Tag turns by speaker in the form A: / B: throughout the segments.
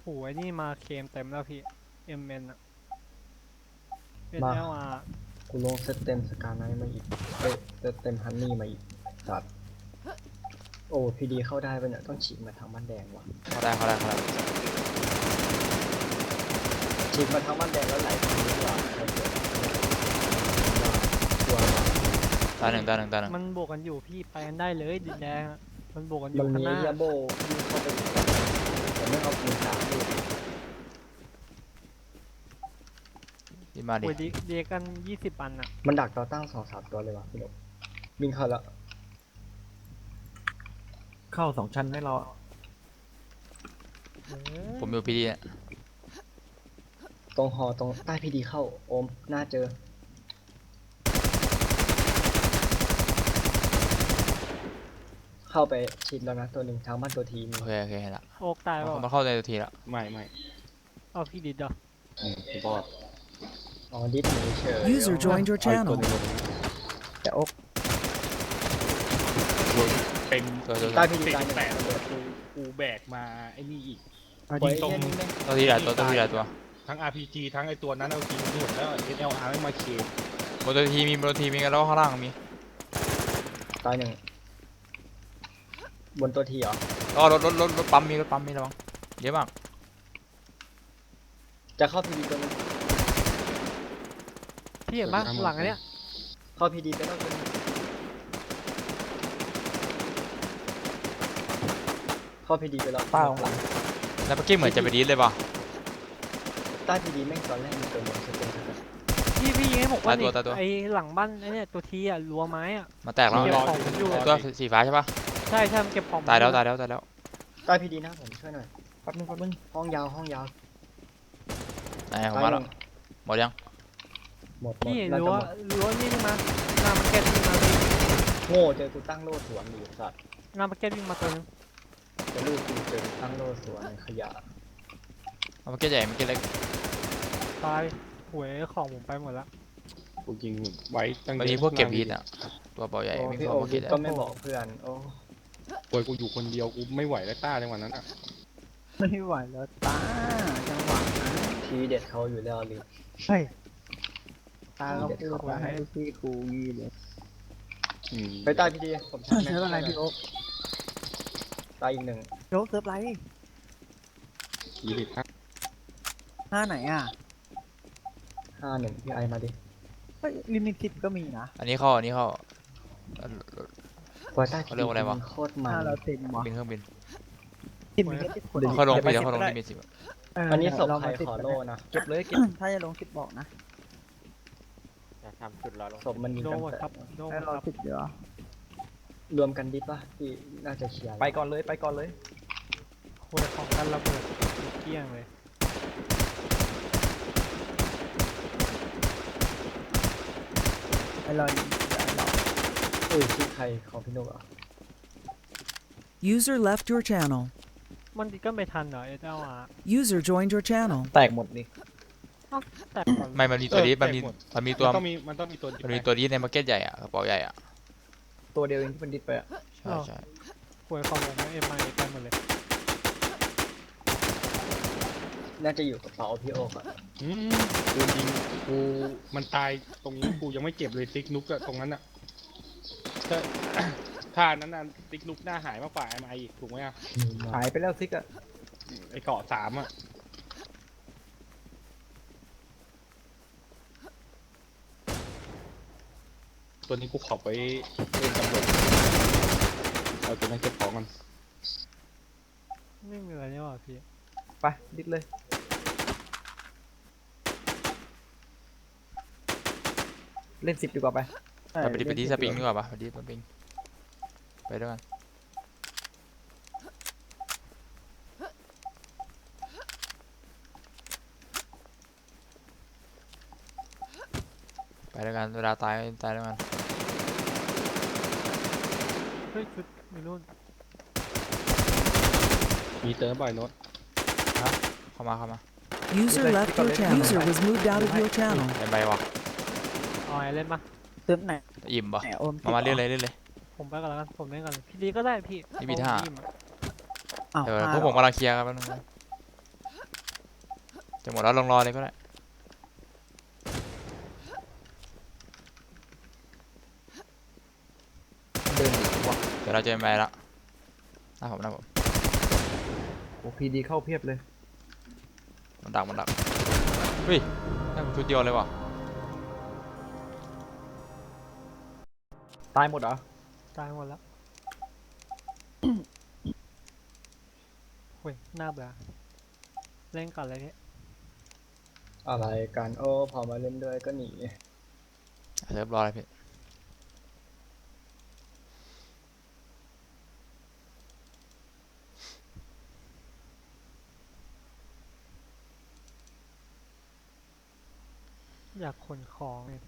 A: โอ้ยนี่มาเคมเต็มแล้วพี่เอ็มเอ็นอะเป็น
B: มา
A: แล้วอ่ะ
B: กูลงเซตเต็มสกาไนมาอีกเอ้ยเซตเต็มฮันนี่มาอีกสัตว์โอ้พีดีเข้าได้ปะเนี่ยต้องฉีกมาทางบ้านแดงว่ะ
C: เขาได้
B: ฉีกมาทางบ้านแดงแล้วไหลทางนี้ว่ะตัวว่ะ
C: ตาหนึ่ง
A: มันบวกกันอยู่พี่ไปกันได้เลยดินแดงอะมันบวกกันอ
B: มั
A: ยู่
B: น
A: ข้าง
B: มี
A: หน้า
B: ยาโบวิ่งเข้าไปอีกแต่ไม่เอาปืนสามดิ
C: ดีมาดิ
A: โอ้ยเดียกัน20 อันอะ
B: มันดักต่อตั้ง2-3 ตัวเลยว่ะพี่หนุ่มวิ่งเข้าแล้ว
D: เข้า2 ชั้นไม่รอ
A: เออ
C: ผมอยู่พีดีเนี่ย
B: ตรงหอตรงใต้พีดีเข้าโอมน่าเจอเข้าไปชิดแล้วนะตัวหนึ่งทางบ้านตัวทีมี
C: โอเคเห็นละ
A: โอกตายเปล่า
C: มันเข้าในตัวทีละ
D: ไม่
A: เอาพี่ดิดเหรอ
D: ผมบอก
B: อ๋อดิสนีย์เฉย
E: User joined your
D: เอาอีกตัว
E: channel.
D: หนึงลง
B: แต่โอ๊ก
D: เป็น
C: ตัว
B: ใต้พีดี
D: เป็น
B: ตาย
D: แป
B: เนี่ย
D: ดระเบิดกูแบกมาไอ้นี่อีก
B: ปล่อย
D: ตรง
B: แค่นี้ไหม
C: ตัวทีละตัว
D: ทั้ง RPG ทั้งไอ้ตัวนั้นเอาจริงหมดแล้ว SLR ไม่มาเคม
C: บนตัวทีมีกันแล้วข้างล่างมี
B: ตายหนึ่งบนตัวทีเหรอ
C: ก็รถปั๊มมีระวังเยอะมาก
B: จะเข้าพีดีตัวนึง
A: พี่เห็นปะหลังอันเนี้ย
B: เข้าพีดีไปแล้วตัวนึงเข้าพีดีไปแล้ว
D: เป้า
B: หลัง
C: แล้วเมื่อกี้เหมือนจะไปดีดเลยป่ะ
B: ใต้พีดีแม่งตอนแรกมีตัวหนึงจะเป็นขนาด
A: พี่ยิงให้ผมว่า
C: ตายตัว
A: ไอหลังบ้านไอเนี่ยตัวทีอะรั้วไม้อะ
C: มาแตกแล้ว
A: เก็บของผมอยู่
C: ตัวสีฟ้าใช่ป่ะ
A: ใช่มันเก็บของผม
C: ตายแล้ว
A: อ
C: ตายแล้ว
B: ใต้พีดีนะผมช่วยหน่อยแป๊บนึงห้องยาว
C: ไหนผมมาแล้วหมดยัง
B: หมด
A: พี่
B: แล้ว
A: รั้ว
B: จะหมด
A: รั้วนี่มาหน้ามาร์เก็ตวิ่งมาเลย
B: โง่เจอกูตั้งโล่สวนอยู่สัตว์
A: หน้ามาร์เก็ตวิ่งมาตัวนึง
B: จะลูกกูเจอกูตั้งโล่สวนในขยะ
C: เอาเมื่อกี้ใหญ่เมื่อกี้เล็ก
A: ตายหวยของผมไปหมดละ
D: กูยิงไว้ตั้ง
C: บางทีพวกเก็บฮีทอ่ะตัวเบาใหญ่
B: โอ้
C: วิ่ง
B: พี่
C: เข้า
B: โอ
C: มา
B: คิ
C: เก็
B: ด
C: บ
B: ก็ไม่บอกเพื่อนโอ้
D: ป่วยกูอยู่คนเดียวกูไม่ไหวแล้วต้าจังหวะนั้นอ่ะ
F: ไม่ไหวแล้วตาจังหวะนั้น
B: ทีเด็ดเขาอยู่แล้วลิ
F: เฮ้ยตาเราพูดมาให้พี่ครูยี่เลย
B: ไปใต้พีดีผมชักแม็ก
F: เซิร์ฟอะไรพี่โอ๊ค
B: ตายอีกหนึ่ง
F: โจ๊กเซิร์ฟไร
D: ยีริตครับ
F: หน้าไหนอ่ะ
B: 51พี่ไอมาดิ
F: เฮ้ยลิมิต10ก็มีนะ
C: อันนี้เข้า
B: ปล่อยใต้พี
C: เขาเรี
B: ดี
C: ยกว่าอะไรวะ
B: โคตรมั
F: หน้าน เราเต็มวะ
C: บินเครื่องบิน
F: 10มีแค่10คน
C: เขาลงปีแล้วเขาลงลิมิต10
B: อันนี้ศพ
F: เรา
B: ใคร
F: มา10
B: ขอโล่นะ
F: เก็บเลยเก็บถ้าจะลง10บอกนะ
B: ศพมันยิง
A: โด
B: กัน
A: หมดครับโดหม
F: ให้
A: ด
F: เรา
A: ครับ
F: 10เดี๋ยว
B: รวมกันดิป่ะที่น่าจะเคลียร์
D: ไปก่อนเลยไปก่อนเลย
A: หวยของกันระเบิดเกลี้ยงเลย
F: ให้เรายิงได้เรา
B: อุ้ยชื่อใครของพี่นุกเหรอ
E: User left your channel.
A: มันดิก็ไม่ทันเหรอSLR
E: User joined your channel.
D: แตกหมดนี่
A: แต่ก่อน
C: ไม่มันมีตัวดีดมันมีตัว
D: มันต้องมีตัว
C: มันมีตัวดีดในมาร์เก็ตใหญ่อ่ะกระเป๋าใหญ่อ่ะ
F: ตัวเดียวเองที่มันดิดไปอ่ะ
C: ใช่
A: หวยของผมเอ็มไอไปหมดเลย
B: น่าจะอยู่กับเป๋าพี่โอ๊กอะ
D: กูยิงกูมันตายตรงนี้กูยังไม่เจ็บเลยติ๊กนุกอะตรงนั้นอะถ้า ถ้านั้นน่ะติ๊กนุกหน้าหายมากกว่าMIอีกถูกไหมอะ
F: หายไปแล้วซิกอ่ะ
D: ไอเกาะ3อะตัวนี้กูขอไปเล่นตำรวจเอาตัวนั้นเก็บของกัน
A: ไม่มีอะไรเนี่ยว่ะพี่
F: ไปดิดเลยเล่น10ดีกว่าไป
C: ไปดีสปริงดีกว่าปะไปดีสปริงไปด้วยกันไปด้วยกันเวลาตายด้วยกัน
A: เฮ้ยชุดมีนู่น
D: มีเติมบ่อยรถ
C: เข้ามา
E: User left your channel. User was moved out of your channel.
C: เป็นใบวะ
A: เอาไอเล่นปะ
F: เซิร์ฟไหน
C: อิ่มปะ
F: ไหนโอม
C: มาเล่นเลย
A: ผมไปก่อนแล้วกันผมเล่นก่อนพี่ดีก็ได้พี่
C: นี่มีท่า
F: อ้าว
C: เดี๋ยวพวกผมกำลังเคลียร์กันแป๊บนึงจะหมดแล้วลองรอเลยก็ได้
F: เดินอยู่วะ
C: เดี๋ยวเราจะไปแล้วหน้าผม
F: โอ้พีดีเข้าเพียบเลย
C: มันดักเฮ้ยได้ผมชุดเดียวเลยว่ะ
F: ตายหมดเหรอ
A: ตายหมดแล้ว เฮ้ยน่าเบื่อเล่นก่อนเลยพี่
B: อะไรกันโอ้พอมาเล่นด้วยก็หนี
C: เรียบร้อยเลยพี่
A: อยากขนของเลย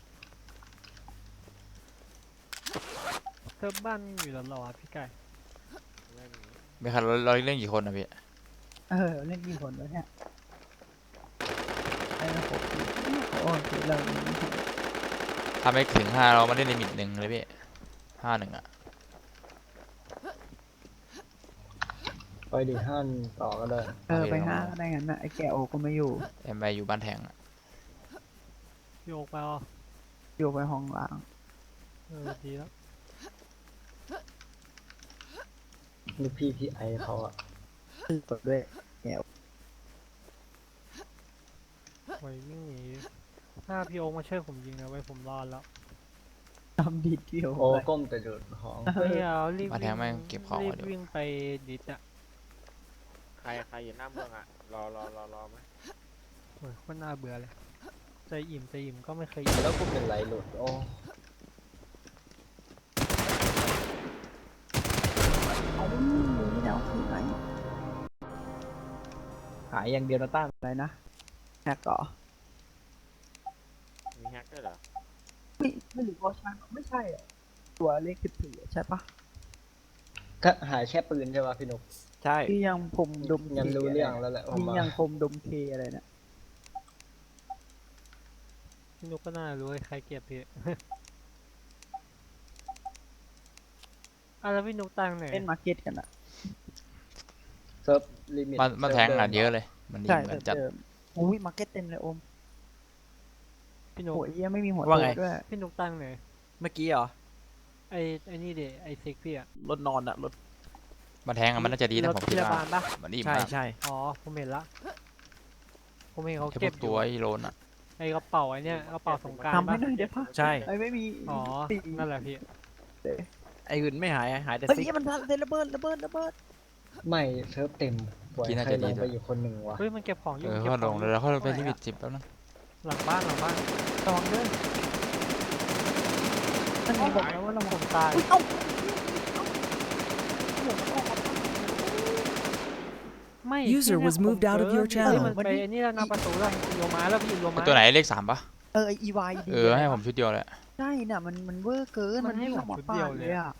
A: เซิร์ฟบ้านอยู่หรอพี่ไก่
C: ไม่คันเราเล่นกี่คนนะพี่
F: เล่นกี่คนวะเนี่ยไอ้นะผมโอ้คือเรา
C: ถ้าไม่ถึง5เรามาเล่นลิมิต1เลยพี่5-1อ่ะ
B: ไปดิฮั่นต่อก็ได้
F: ไปห้าก็ได้งั้นนะไอ้แกโอก็ไม่อยู่
C: MI อยู่บ้านแทงอ่ะ
A: โยกไปอ๋อ
F: อยู่ไปห้องล้าง
A: ดีแล้ว
B: ลูกพี่ไอเขาอะ
F: กดด้วย
A: ไว้วิ่งหนีหน้าพี่โอ๊คมาช่วยผมยิงนะไว้ผมรอดแล้ว
F: ทำดีเดียว
B: โอ้ก้มแต่โดดของ
A: ไม่เอารีบ
C: บ้านแทงแม่งเก็บของ
A: รี
C: มา
A: บ
C: เดี๋ยว
A: วิ่งไปดิสอะ
G: ใครอยู่หน้าเมืองอ่ะ รอไหม
A: โอ้ยโคตรน่าเบื่อเลยใจอิ่มก็ไม่เคยอิ่ม
B: แล้วกูเป็นไรหลุดโอ้
F: เอานี่แล้วคือไหนหายอย่างเดียวนะต้านอะไรนะแฮกก่อ
G: มีแฮกด้วยเหรอ
F: ไม่รู้ว่าใช่ไม่ใช่อ่ะตัวเลข14ใช่ปะ
B: ก็หายแค่ปืนใช่ป่ะพี่นุก
F: ใช่ที่ยังผมดม
B: งั้นรู้เรื่องแล้วแหละผม
F: ที่
B: ว่า
F: ยังผมดมเคอะไรเนี่ย
A: พี่นุกก็น่ารู้ไอ้ใครเก็บพี่ แล้วพี่นุกตั้งไหน
F: เล่นมาร์เก็ตกันอ่ะ
B: เซิร์ฟลิมิต
C: บ้านแทงอัดเยอะเลยมันดี
F: ใช่
C: เหมือนจัด
F: เดิมอุ้ยมาร์เก็ตเต็มเลยโอม
A: พี่นุก
F: โหยยังไม่มีหัว
H: ว่าไง
F: โตด้วย
A: พี่นุกตั้งไหน
H: เมื่อกี้เหรอ
A: ไอ้นี่เดไอ้ซิกพี่อะ
H: รถนอนอะรถ
C: บ้านแทงอะมันน่าจะดีนะผม
A: พ
C: คิด
A: ยาบา
C: ว่า
A: ลปะ
C: มันดี
H: ใช่
C: มาก
H: ใช่
A: อ๋อผมเห็นละผมเห็นเขา
C: แค่พ
A: เก็
C: ว
A: บ
C: ก
A: อ
C: ตั
A: ยู่
C: วไอ้โลนอ่ะ
A: ไอ้กระเป๋าไอ้เนี่ยกระเป๋าสงกราร
F: ทำให้
A: ปะ
F: หน่อยเดี๋ยวพะ
H: ใช่
F: ไอ้ไม่มี
A: อ๋อ
F: ตี
A: นั่นแหละพี่
H: ไอ้อื่นไม่หายหายแต่
F: เฮ้ย
H: ซิก
F: มันระเบิด
B: ไม่เซิร์ฟเต็มปล่อยใครลงไปอยู่คนหนึ่งวะ
A: เฮ้ยมันเก็บของอยู่
C: เออ
A: เก็บ
C: ก็
A: ข
C: ล
A: อง
C: ง
A: อ
C: เล
A: ยู่
C: ยแล้วเขาไปลิมิต10แล้วนะ
A: หลังบ้านระวังด้วย
F: มันมีบอกแล้วว่าเรา
A: ผมตาย
F: อุ้ยเอ้า
A: ไม่
E: User
A: พี่
E: was
A: เนี่ย
E: moved out of your
A: ผมเจอ
E: channel
A: มันไปไอ้นี่แล้วนะประตูแล้วโยมาแล้วพี่โยมา
C: ตัวไหนเลข3ปะ
F: ไออีวายดี
C: ให้ผมชุดเดียวเลย
F: ใช่น่ะมันเวอร์เกิน
A: มันให้
F: วิ่งออกมา
A: ชุด
F: ปา
A: เดียว
F: ด
A: เล
F: เลย ยอ่ะ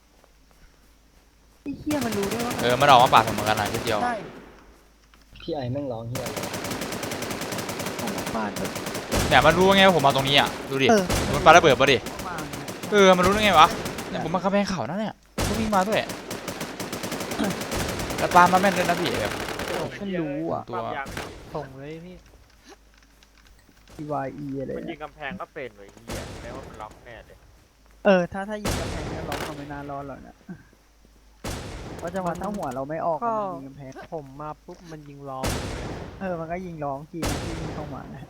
F: ไอ้เหี้ยมันรู้ได้ว่า
C: มันออกมาปาดผมเหมือนกันนะชุดเดียว
F: ใช่
B: พี่ไอแม่งร้องเฮียเลย
F: ออกมาปาดแบบ
C: เนี่ยมันรู้ไงว่าผมมาตรงนี้อ่ะดูดิ
F: เออ
C: มันปาระเบิดมาดิ
F: เข้ามาเนี่ย
C: มันรู้ได้ไงวะเนี่ยผมมาข้ามแพงเขานะเนี่ยก็วิ่งมาด้วยแล้วปามาแม่นด้วยนะพี่แบบ
F: มันรู้อ่ะ
C: ตัว
G: ความยาง
A: ส่งเลยพี่
F: อีวายอีอะไร
G: มันยิ
F: เนี่ย
G: งกำแพงก็เป็นเลยเฮียแปลว่ามันล็อกแน่เลย
F: ถ้ายิงกำแพงก็ร้องก็ไม่น่ารอดหรอกนะเพราะจังหวะถ้าหัวเราไม่ออกอะมันยิงกำแพง
A: ผมมาปุ๊บมันยิงล้อมเลย
F: มันก็ยิงร้องทีนะที่ยิงเข้ามานะ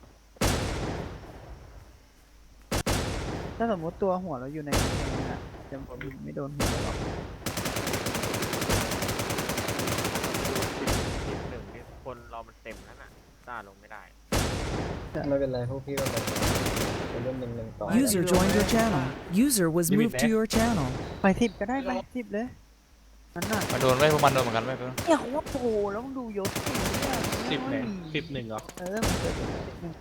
F: ถ้าสมมติตัวหัวเราอยู่ในกำแพงอะจะยิงไม่โดนหัวหรอก
G: 11นี่คนเรามันเต็มนั่นน่ะต้าลงไม่ได้
B: ไม่เป็นไรพวกพี่ก็เลยไปเล่นหนึ่งต่อ
E: User joined your channel. User was moved to your channel.
F: ไป10ก็ได้ไป10เลยนั่นน่ะ
C: มาโดนไว้พวกมันโดนเหมือนกันไว้เพิ่ง
F: เนี่ยเขาว่าโปรแล้วมึงดูยศสิ
D: 10เนี่ย11เหรอ
F: มันเกิด11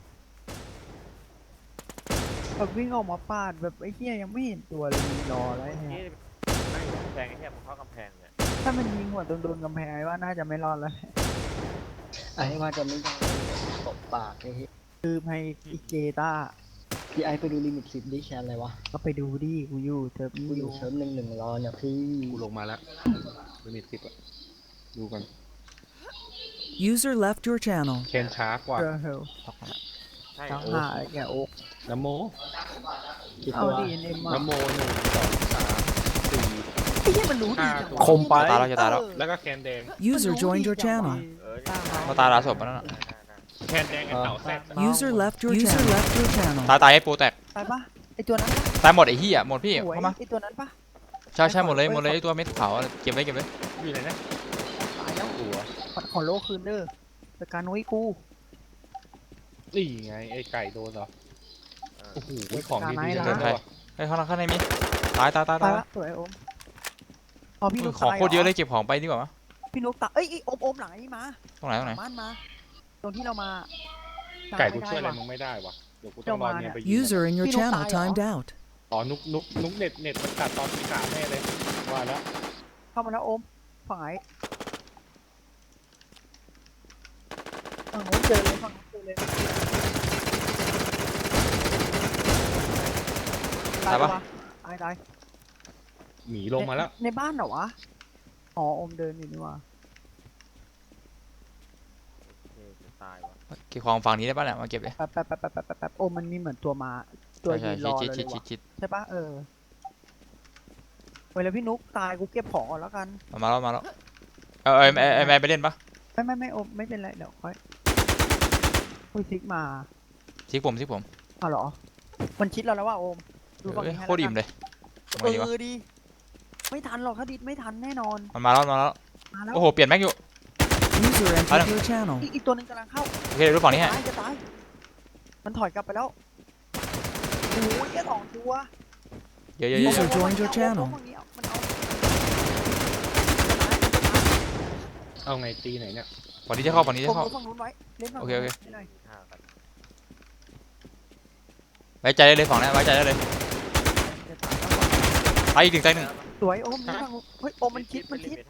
F: แบบวิ่งออกมาปาดแบบไอ้เหี้ยยังไม่เห็นตัวเลยยิงรอแล้วไอ้เหี้
G: นี่
F: ย
G: นั่งอยู่กำแพงไอ้เฮียผมเข้ากำแพงเนี่ย
F: ถ้ามันยิงหัวโดนกำแพงไอ้ว่าน่าจะไม่รอดแล้ว
B: ไอว่าจะไม่ได้ตบปากไอ้เหี้ย
F: คือให้อีเจต้า
B: พี่ไอไปดูลิมิต10ดิแชนอะไรวะ
F: ก็ไปดูดิกูอยู่เธอ
B: กู
F: กู
B: อ
F: อยู่ ยู่
B: เซิร์ฟหนึ่งรอเนี่ยพี่
D: กูลงมาแล้วลิมิต10อ่ะดูกัน
E: User left your channel.
D: เคนช้ากว่า
F: เจอเฮล
G: ใช่
F: ทั้ง
G: โอ้
F: หาไอ้แกโอ๊ก
D: น้ำโม
B: กี่
F: เอา
B: ตัว
F: ดีเอ็มมา
D: น้ำโม1 2 3 4
F: ไอ้เหี้ยมันรู้ดีจังวะ
H: คมไป
C: ตายแล้วจะตายแล้ว
D: แล้วก็แคนแดง
E: User joined your channel.
G: เออ
C: เขาตายลาศพแล้วน่ะ
D: แคนแดงไอ้เต่าแซด
E: User left your channel.
C: ตายไอ้ปูแตก
F: ตายปะไอ้ตัวนั้นปะ
C: ตายหมดไอ้เหี้ยหมดพี่
F: สวย
C: เข้ามา
F: ไอ้ตัวนั้นปะ
C: ใช่หมดเลยไอ้ตัวเม็ดขาวอะเก็บเลย
D: อยู่ไหนนะ
F: ตายแล้ว
D: ตัว
F: ขอโลคืนเด้อแต่การนุ้ยกู
D: นี่ไงไอ้ไก่โดนเหรอโอ้โหของดีๆ
F: เดิ
D: เดิ
F: น
D: น
F: ไป
D: ไป
C: เฮ้ยข้างในมีตาย
F: ตายละสวยโอมพอพี่นุ๊ก
C: ของ
F: ตาย
C: โคตรเยอะเลยเก็บของไปดีกว่าวะ
F: พี่นุ๊กตายเอ้ยโอมหลังไอ้นี่มา
C: ตรงไหน
F: บ้านมาตรงที่เรามา
D: ไก่กูช่วยอะไร
F: ว่ะ
D: มึงไม่ได้วะเดี๋ยวกูต้องรอเนี่ยไปยิง
E: User in your
F: พี่นุ๊ก
E: channel
F: ตายเหรอ
E: timed out.
D: อ๋อนุกเน็ตมันตัดตอนที่3แน่เลยว่าแล้ว
F: เข้ามาแล้วโอมฝั่งไหนฝั่งนู้นเจอเลยฝั่งนู้นเจอเลย
C: ตายปะ
F: ตาย
D: หมีลงมาแล้ว
F: ในบ้านเหรอวะอ๋อโอมเดินอยู่นี่ว่ะ
G: โอเคจะตายวะ
C: เก็บของฝั่งนี้ได้ป่ะเนี่ยมาเก็บเลย
F: แป๊บโอมมันมีเหมือนตัวมาตัวยืนรอเลยว่ะ
C: ชิด
F: ใช่ปะเวลาพี่นุ๊กตายกูเก็บของก่อนแล้วกัน
C: มาแล้วไอ้แม่ไปเล่นปะ
F: ไม่โอมไม่เป็นไรเดี๋ยวค่อยอุ้ยซิกมา
C: ชิกผม
F: อ้าวเหรอมันชิดเราแล้วว่าโอมดูฝั่งนี้ให้
C: โคตรอิ่มเลยทำไงดีวะ
F: ดีไม่ทันหรอกถ้าดิดไม่ทันแน่นอน
C: มันมาแล้ว
F: มาแล้ว
C: โอ้โหเปลี่ยนแม็กอยู่
E: User entered your channel.
F: อีกตัวหนึงกำลังเข้า
C: โอเคเดี๋ยวดูฝั่งนี้ให้
F: จะตายมันถอยกลับไปแล้วโอ้ยแค่2 ตัว
C: เยอะ
E: User joined your channel
F: ฝั่งนี้มันเอา
D: เอาไงตีไหนเนี่ย
C: ฝั่งนี้จะเข้า
F: ผมดูฝั่งนู้นไว้เล่นฝั่ง
C: โอเค
F: นู้นให้หน่อย
G: ห้ากัน
C: ไว้ใจได้เลยฝั่งนี้ไว้ใจได้เลย
F: จะตายแล้วฝั่ง
C: ตายอีกหนึ่ง
F: สวยโอมนี่ฝั่งนู้นเฮ้ยโอมมันชิด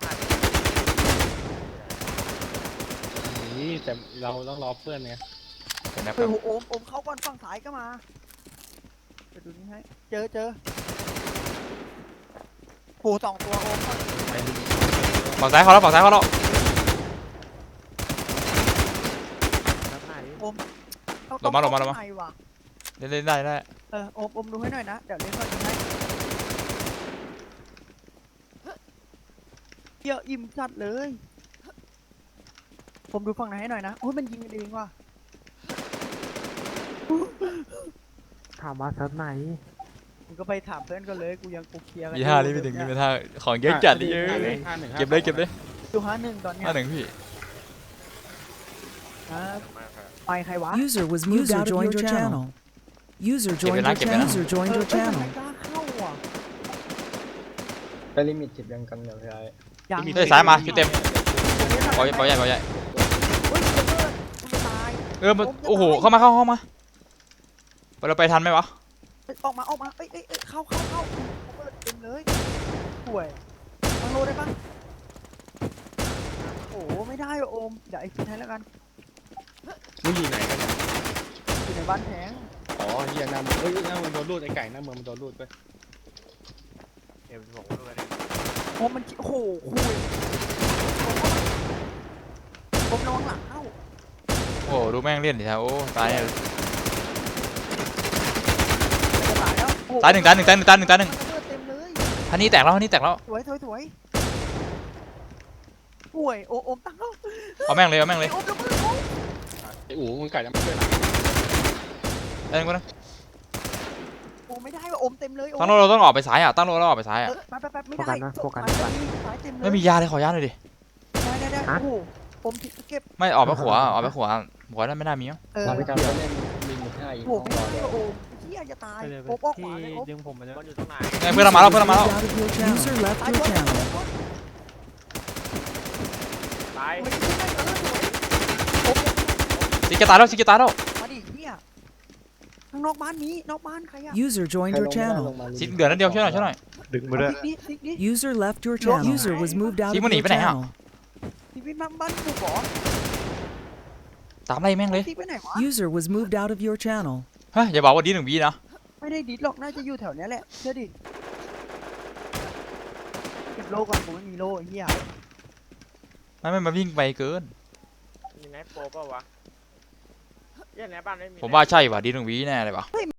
D: นี่แต่เราต้องรอเพื่อนไง
C: เห็นไหม
F: เฮ้ยโอมเข้าก่อนฝั่งซ้ายก็มาเดี๋ยวดูนี่ให้เจอโห2 ตัวโอม
C: ฝั่งซ้ายเขาแล้ว
G: นับหน้าดิ
F: ต้อง
C: ลงมา
F: เข้ข้งในว่ะ
C: เล่นได้
F: โอมดูให้หน่อยนะเดี๋ยวเล่นฝั่งนี้ให้เยอะอิ่มจัดเลยผมดูฝั่งไหนให้หน่อยนะโอ้ยมันยิงกันเองว่ะ
A: ถามมาเซิร์ฟไหน
F: มึงก็ไปถามเพื่อนก็เลยกูยังเคลียร์กัน
C: มี5นี่มี5ของเยอะจัดเลยเก็บเลย
F: ดู51ตอนเนี้ย
C: 51พี่
F: ไปใครวะ
E: User was moved out of your channel. User joined your channel. User joined your
F: ทำ
E: channel.
F: ไมกล้าเข้าอ่ะ
B: ไปลิมิต10ยังกันเดี๋ยวพี่ไอ้
F: ยัง
C: เฮ้ยซ้ายมาคิวเต็มปล่อยใหญ่
F: เฮ้ยจะเลิศกูจะตาย
C: โอ้โหเข้ามาเราไปทันไหมวะ
F: ออกมาเอ้ยเข้าเขาเปิดเต็มเลยป่วยฟังโลได้ปะโอ้ไม่ได้ว่ะโอมเดี๋ยวไอ้คิดให้แล้วกัน
D: มึงอยู่ไหนกันเนี่ย
F: อยู่ในบ้านแพง
D: อ๋อเฮียหน้ามึงหน้ามึงโดนรูดไอ้ไก่หน้ามึงมันโดนรูดไป
G: M16ด้วยนะ
F: โอมมันโอ้โหคุยโอมระวังหลังเข้า
C: โอ้ดูแม่งเล่นดิท่าโอ้ตายเลย
F: จะตายแล้วโอ้โ
C: ตายหนึ่ง
F: มันระเบิดเต็มเลย
C: ฮันนี่แตกแล้ว
F: สวยป่วยโอมตั้งแล้ว
C: เอาแม่งเลย
F: โอมระเบิดโอม
D: ไอ้อู๋มึงไก่จะมาช่วยหลัง
C: ได้นึง
F: โอมไม่ได้ว่ะโอมเต็มเลยโอม
C: ตั้งเราต้องออกไปซ้ายตั้งเราออกไปซ้าย
F: แป๊บไม่ได้
A: โฟกัส
F: สายเต็มเลย
C: ไม่มียาเลยขอยาหน่อยดิ
F: ได้โอ้โหโอมเก็บ
C: ไม่ออกไปขวาหัวนั่นไม่น่ามีมั้ง
B: เราไปการไปเล่นลิมิต5อีก
F: โอ้โห
B: ต้อง
F: ไม่
B: รอ
F: ได้
B: เดี๋ยว
F: ว่ะโอมเฮียจะตาย
A: ไปเลย
F: โอมออกข
A: ที่
F: วาเลยโอม
A: ดึงผมมาเลย
G: มันอยู่ตรงไหน
C: เพื่อนเรามาแล้ว
E: Moved out of your channel. User left
F: ตาย
E: your
F: ตัว
E: channel.
G: ตาย
F: ไม่ได้โอม
C: ซิกจะตายแล้ว
F: มาดิเฮียข้างนอกบ้านนี้นอกบ้านใครอะ
E: User
B: ใค
E: joined
B: รล
E: your
B: งไม่ได้ล
E: channel.
B: งมาลิ
C: ซิก
B: มิต
C: เดือดนั่นเดียวช่วยหน่อย
D: ดึงมาด้วย
F: ซิกดิ
E: User left your channel. User was moved out of
C: Simon,
E: your
C: đi bên này hả?
E: channel.
F: ซิกไปบ้านกูก่อน
C: ตามไล่แม่งเลย
F: ซิกไปไหนวะ
E: User was moved out of your channel.
C: เฮ้ยอย่าบอกว่าดี1 วินะ
F: ไม่ได้ดิดหรอกน่าจะอยู่แถวเนี้ยแหละเชื่อดิเก็บโล่ก่อนกูไม่มีโล่ไอ้เฮีย
C: ไม่มาวิ่งไปเกิน
G: โปรเปล่าวะเหี้ยในบ้านไม่มี
C: ผมว่าใช่ว่ะดีหนึ่งวีแน่เลยว่ะ